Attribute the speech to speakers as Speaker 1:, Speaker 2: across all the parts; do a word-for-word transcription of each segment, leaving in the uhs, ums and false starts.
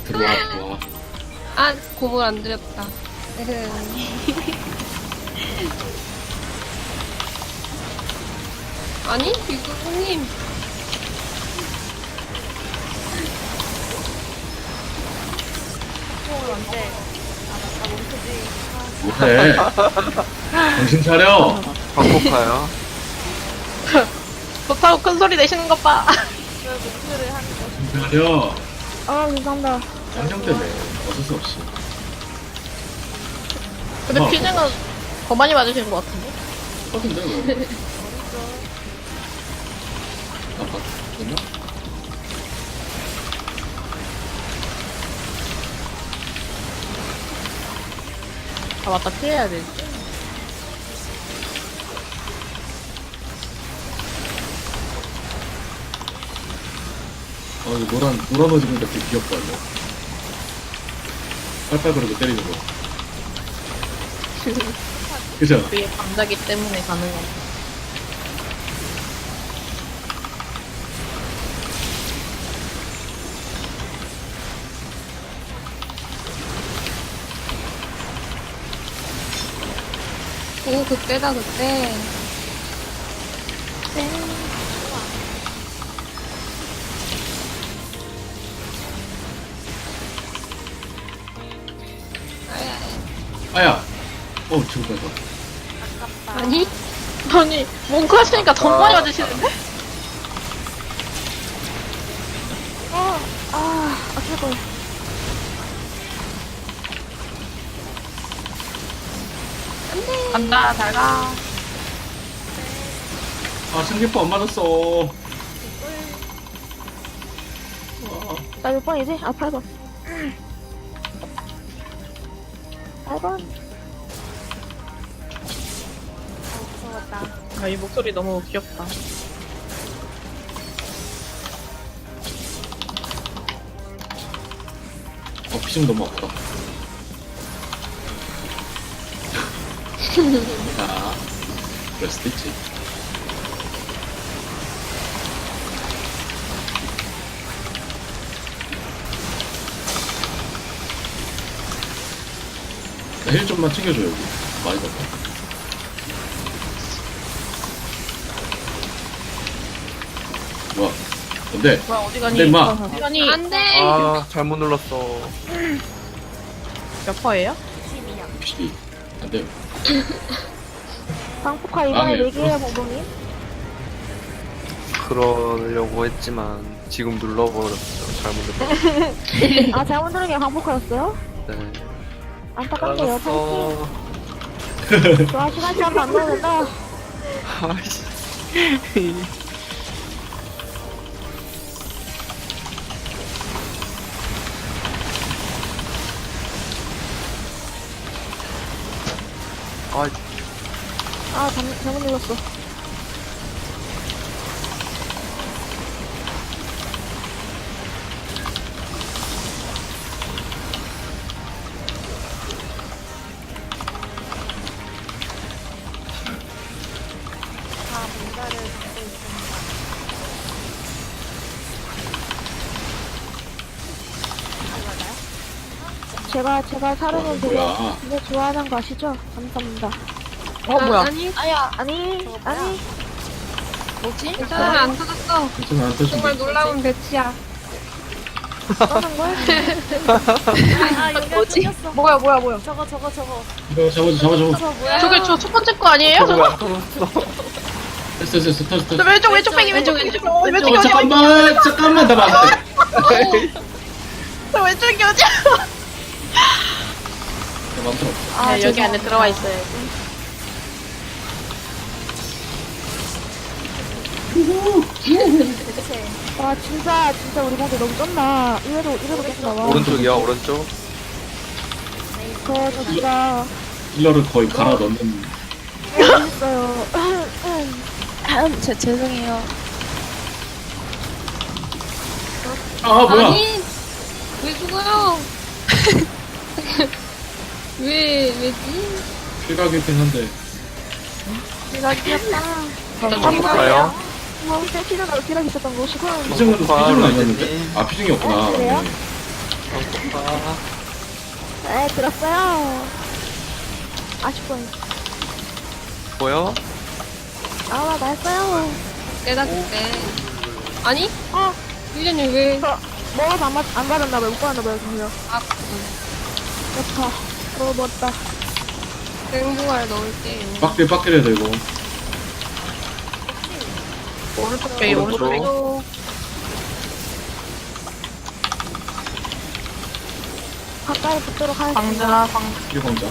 Speaker 1: 들어와 들어와.
Speaker 2: 아, 고물 안 드렸다. 에흠. 아니, 유구님.
Speaker 3: 콩을 언제? 아, 나 멈추지.
Speaker 1: 뭐해? 정신 차려.
Speaker 4: 방콕하요.
Speaker 5: 좋다고 큰 소리 내시는 것 봐.
Speaker 3: 왜 목표를 하는 거지?
Speaker 1: 정신 차려.
Speaker 3: 아, 감사합니다.
Speaker 1: 짱형 때문에 어쩔 수 없이.
Speaker 5: 근데
Speaker 1: 어.
Speaker 5: 피즈는 더 많이 맞으시는 것 같은데?
Speaker 1: 똑같은데 왜? 아빠 됐나?
Speaker 5: 아 맞다 피해야 되지.
Speaker 1: 어 이거 노란 노란 옷 입으니까 되게 귀엽다 이거. 빨빨거리고 때리는 거. 그죠?
Speaker 5: 위에 감자기 때문에 가능한.
Speaker 2: 오, 그때다, 그때.
Speaker 1: 아야. 어 죽을 뻔했어.
Speaker 2: 아니?
Speaker 5: 아니 몽크 하시니까 더 많이 맞으시는데?
Speaker 3: 아, 아, 아플 걸.
Speaker 5: 간다 잘 가.
Speaker 1: 아 승기포 안 맞았어. 와.
Speaker 3: 나 몇 번이지? 아, 팔 번. 팔 번. 무서웠다.
Speaker 5: 아, 이 목소리 너무 귀엽다.
Speaker 1: 어 피심 너무 아프다. 자, 그럴 수도 있지. 나 힐 좀만 챙겨줘 여기. 많이 받아. 뭐야? 뭔데?
Speaker 5: 뭐야 어디
Speaker 1: 근데
Speaker 5: 가니?
Speaker 1: 임마.
Speaker 5: 어디 가니?
Speaker 2: 안 돼!
Speaker 4: 아, 잘못 눌렀어.
Speaker 5: 몇 퍼예요?
Speaker 1: 혹시 안 돼요?
Speaker 3: 방폭화
Speaker 1: 아,
Speaker 3: 이번에
Speaker 1: 네.
Speaker 3: 얘기해요, 봉봉님.
Speaker 4: 그러려고 했지만 지금 눌러버렸어. 잘못 눌렀어.
Speaker 3: 아, 잘못 누른 게 방폭화였어요?
Speaker 4: 네.
Speaker 3: 안타깝네요, 파이팅.
Speaker 4: 알았어.
Speaker 3: 좋아, 시간 제한 안 넣는다.
Speaker 4: 아이씨. 아,
Speaker 3: 아, 잘못, 잘못 눌렀어. 다 뭔가를 갖고 있습니다. 제가, 제가 사르는
Speaker 1: 어,
Speaker 3: 되게,
Speaker 1: 뭐야.
Speaker 3: 되게 좋아하는 거 아시죠? 감사합니다.
Speaker 5: 어 뭐야?
Speaker 2: 아니,
Speaker 3: 아야, 아니, 아니.
Speaker 2: 뭐지? 괜찮아, 안 터졌어.
Speaker 1: 괜찮아 안 터진다.
Speaker 2: 정말 놀라운 배치야.
Speaker 3: 떠는 걸? 아, 여기
Speaker 5: 뭐지?
Speaker 3: 끊겼어.
Speaker 2: 뭐야, 뭐야, 뭐야.
Speaker 3: 저거, 저거, 저거.
Speaker 1: 이거 잡아줘 잡아줘.
Speaker 3: 저거 뭐야?
Speaker 5: 저게 저 첫 번째 거 아니에요?
Speaker 4: 저거
Speaker 5: 저거?
Speaker 4: 왜안 터졌어?
Speaker 1: 됐어 됐어 됐어 터졌어
Speaker 5: 저
Speaker 1: 터졌어.
Speaker 5: 왼쪽 왼쪽 빼기 왼쪽 왼쪽 왼쪽 왼쪽이
Speaker 1: 어,
Speaker 5: 어디야?
Speaker 1: 잠깐만 잠깐만 나 맞았어.
Speaker 5: 저 왼쪽이 어디야?
Speaker 1: 나 맘대로 없어.
Speaker 3: 아,
Speaker 5: 네, 여기 안에 들어와 있어야지.
Speaker 3: 와, 진짜, 진짜 우리 공대 너무 쩐다. 이래도, 이래도 계속 나와.
Speaker 4: 오른쪽이야, 오른쪽.
Speaker 3: 저, 저 진짜,
Speaker 1: 힐러를 거의 갈아 넣는.
Speaker 3: 재밌어요.
Speaker 5: 제 죄송해요.
Speaker 1: 아 뭐야?
Speaker 2: 아니, 왜 죽어요? 왜, 왜지?
Speaker 1: 필각이긴 한데.
Speaker 2: 내가 귀엽다.
Speaker 4: 방콕하요.
Speaker 3: 뭐, 셀피는 어디랑 있었던 것이고.
Speaker 1: 피증은
Speaker 4: 아,
Speaker 1: 피증은
Speaker 4: 아,
Speaker 1: 아니었는데?
Speaker 4: 네.
Speaker 1: 아 피증이었구나.
Speaker 3: 아, 그래요?
Speaker 1: 네.
Speaker 4: 아,
Speaker 3: 네, 들었어요. 아쉽군.
Speaker 4: 뭐요?
Speaker 3: 아, 나 했어요.
Speaker 2: 내가 그때. 아니? 아, 유진이 왜?
Speaker 3: 저, 먹어서 안, 맞, 안 받았나봐요. 못 받았나봐요, 그냥.
Speaker 2: 아,
Speaker 3: 좋다. 너무 멋다.
Speaker 2: 생부알 넣을게요.
Speaker 1: 빡딜 빡딜 해야 돼 이거.
Speaker 5: 오른쪽 빼, 오른쪽 빼.
Speaker 2: 또
Speaker 3: 가까이 붙도록 하겠습니다.
Speaker 5: 광자, 광.
Speaker 1: 일광자.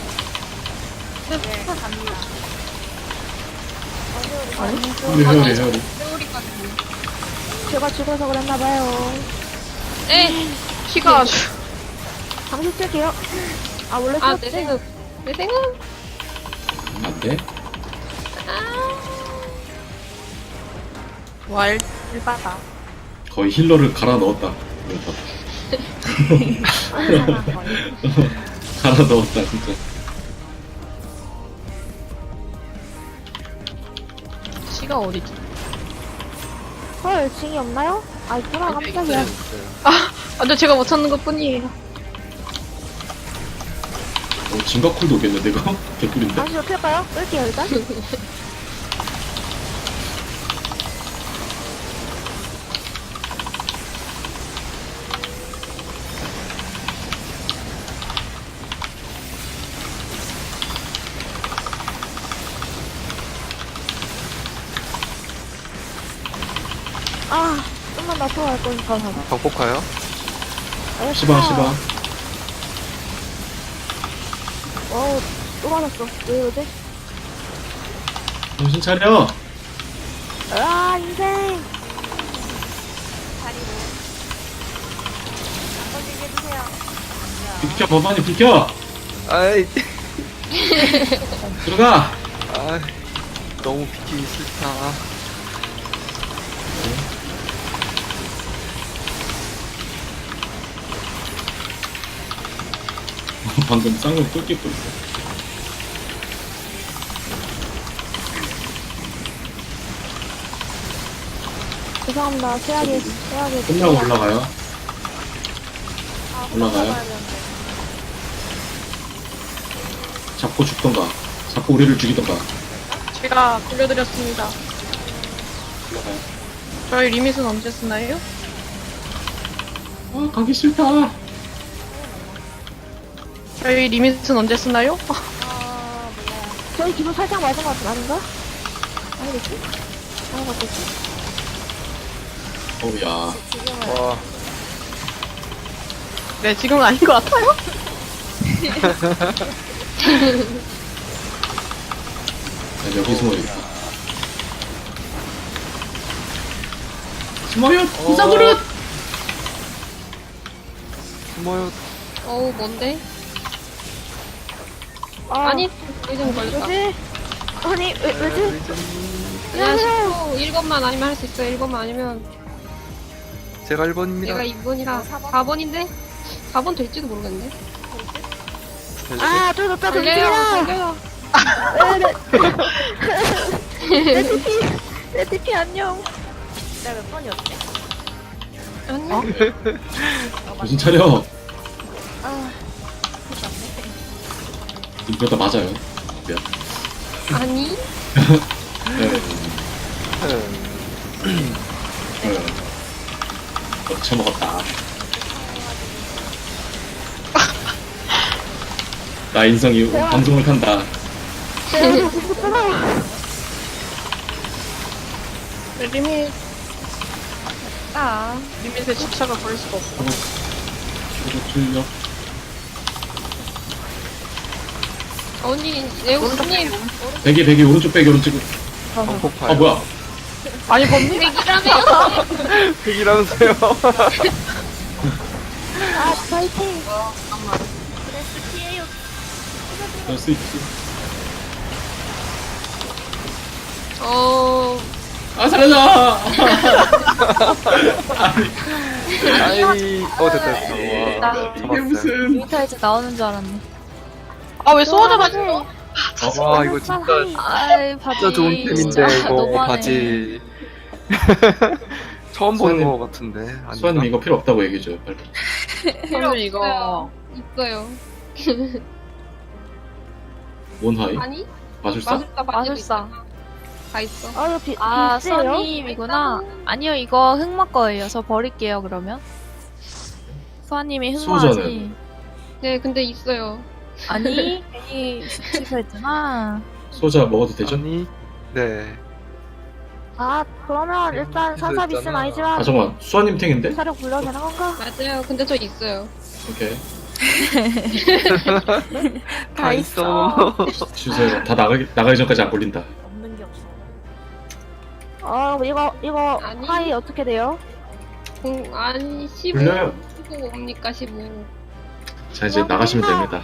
Speaker 1: 근데 헤어리 헤어리.
Speaker 2: 세월이까지.
Speaker 3: 제가 죽어서 그랬나봐요.
Speaker 2: 에!
Speaker 5: 키가 아주.
Speaker 3: 당신 쓸게요. 아, 원래
Speaker 2: 아,
Speaker 3: 썼지?
Speaker 2: 내 생각. 내 생각.
Speaker 1: 안 돼?
Speaker 2: 아.
Speaker 5: 와, 일, 일바다.
Speaker 1: 거의 힐러를 갈아 넣었다. 이거 갈아 넣었다 진짜.
Speaker 5: 키가 어디지?
Speaker 3: 헐, 징이 없나요? 아, 있구나, 깜짝이야.
Speaker 5: 아, 근데 제가 못 찾는 것 뿐이에요.
Speaker 1: 어, 진가쿨도 오겠는데 이거? 개꿀인데?
Speaker 3: 당신 어떻게 할까요? 끌게요, 일단. 아, 좀만 놔둬 갈 거니까.
Speaker 4: 방폭하요?
Speaker 3: 아,
Speaker 1: 시바 시바.
Speaker 3: 어우, 또 맞았어. 왜 이러지?
Speaker 1: 정신 차려.
Speaker 3: 아, 인생.
Speaker 1: 비켜 법안이 비켜.
Speaker 4: 아이,
Speaker 1: 들어가.
Speaker 4: 아이, 너무 비키기 싫다.
Speaker 1: 방금 쌍용 뚫기고 있어.
Speaker 3: 죄송합니다. 최악의, 최악의.
Speaker 1: 끝나고 올라가요. 올라가요. 잡고 죽던가. 잡고 우리를 죽이던가.
Speaker 5: 제가 굴려드렸습니다.
Speaker 1: 올라가요.
Speaker 5: 저희 리밋은 언제 쓰나요?
Speaker 1: 아 가기 싫다.
Speaker 5: 저희 리밋은 언제 쓰나요?
Speaker 3: 저희 기분 살짝 맞은 것 같은 아닌가? 아니겠지? 아닌 것 같겠지?
Speaker 1: 어우야.
Speaker 4: 와,
Speaker 5: 네, 지금은 아닌 것 같아요.
Speaker 1: 난 여기 숨어야겠다. 숨어요. 부사그릇.
Speaker 4: 숨어요.
Speaker 2: 어우, 뭔데?
Speaker 3: 아,
Speaker 2: 아니, 요즘 걸렸다.
Speaker 3: 왜지? 아니, 왜, 왜지?
Speaker 2: 그냥 십 초 일 번만 아니면 할 수 있어. 일 번만 아니면
Speaker 4: 제가 일 번입니다.
Speaker 2: 내가 이 번이라 사 번인데? 사 번 될지도 모르겠는데?
Speaker 3: 아, 쫄졌다,
Speaker 2: 걸려요,
Speaker 3: 쫄지라!
Speaker 2: 걸려요.
Speaker 3: 내 티피, 내 티피 안녕.
Speaker 2: 아니,
Speaker 1: 정신 차려.
Speaker 3: 아,
Speaker 1: 이러다 맞아요. 미안.
Speaker 2: 아니?
Speaker 1: 네.
Speaker 4: 음,
Speaker 1: 네. 어, 처먹었다. 나 인성이 방송을 탄다.
Speaker 3: 내가 죽었잖아.
Speaker 5: 리밋,
Speaker 2: 아,
Speaker 5: 리밋에 집착을 버릴 수가 없어.
Speaker 1: 이거 출력.
Speaker 2: 언니, 네오스님.
Speaker 1: 베개 베개 오른쪽 베개 오른쪽.
Speaker 4: 방폭파요.
Speaker 1: 아 뭐야?
Speaker 5: 아니, 범위?
Speaker 2: 백이라며!
Speaker 4: 핵이라면서요.
Speaker 3: 아, 파이팅.
Speaker 1: 그럴 수 있지.
Speaker 2: 어,
Speaker 1: 아 살려줘.
Speaker 4: 아이, 어, 됐다, 됐다. 와,
Speaker 1: 이게
Speaker 4: 잡았어요.
Speaker 1: 무슨?
Speaker 6: 데이터 이제 나오는 줄 알았네.
Speaker 5: 아, 왜 소원을 맞지?
Speaker 4: 와, 이거 진짜,
Speaker 6: 아이, 바지.
Speaker 4: 진짜 좋은 템인데, 이거
Speaker 6: 너무하네.
Speaker 4: 바지. 처음 보는 거 같은데. 아닌가?
Speaker 1: 수아님 이거 필요 없다고 얘기해줘요 빨리.
Speaker 5: 저는 이거
Speaker 2: 있어요.
Speaker 1: 몬하이?
Speaker 2: 아니?
Speaker 1: 마술사?
Speaker 2: 마술사
Speaker 6: 마술사.
Speaker 2: 다 있어.
Speaker 3: 아, 이거 비,
Speaker 6: 아,
Speaker 3: 비슷해요?
Speaker 6: 수아님이구나. 아니요, 이거 흑마 거예요. 저 버릴게요, 그러면. 수아님이
Speaker 1: 수호자는?
Speaker 6: 흑마지.
Speaker 2: 네, 근데 있어요.
Speaker 6: 아니, 괜히 취소했잖아.
Speaker 1: 소자 먹어도 되죠?
Speaker 4: 아니 네
Speaker 3: 아, 그러면 일단 산사 비스는
Speaker 4: 있잖아.
Speaker 3: 아니지만
Speaker 1: 아 잠깐만 수아님 탱인데?
Speaker 3: 사력 불러도 되는 건가?
Speaker 2: 맞아요. 근데 저 있어요.
Speaker 1: 오케이
Speaker 4: 다 있어
Speaker 1: 주세요. 다 나가기, 나가기 전까지 안 걸린다.
Speaker 6: 없는 게 없어.
Speaker 3: 어, 이거, 이거,
Speaker 2: 아니.
Speaker 3: 하이 어떻게 돼요?
Speaker 2: 공, 아니, 십오.
Speaker 1: 불려요.
Speaker 2: 십오 뭡니까, 십오.
Speaker 1: 자 이제 나가시면 됩니다.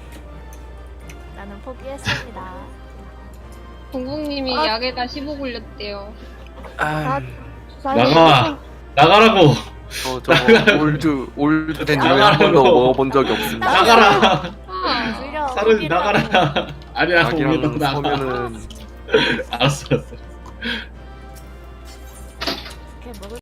Speaker 6: 나는 포기했습니다.
Speaker 2: 공공님이
Speaker 3: 아.
Speaker 2: 약에다 십오 굴렸대요.
Speaker 4: 아,
Speaker 1: 나가! 나가라고!
Speaker 4: 저 저거 올드 올드 된 중에 한 번도 먹어본 적이 없습니다
Speaker 1: 나가라!
Speaker 2: 아,
Speaker 6: 물려.
Speaker 1: 사르지 나가라! 아니야
Speaker 4: 자기랑
Speaker 1: 오면 나가.
Speaker 4: 서면은
Speaker 1: 알았어 알았어.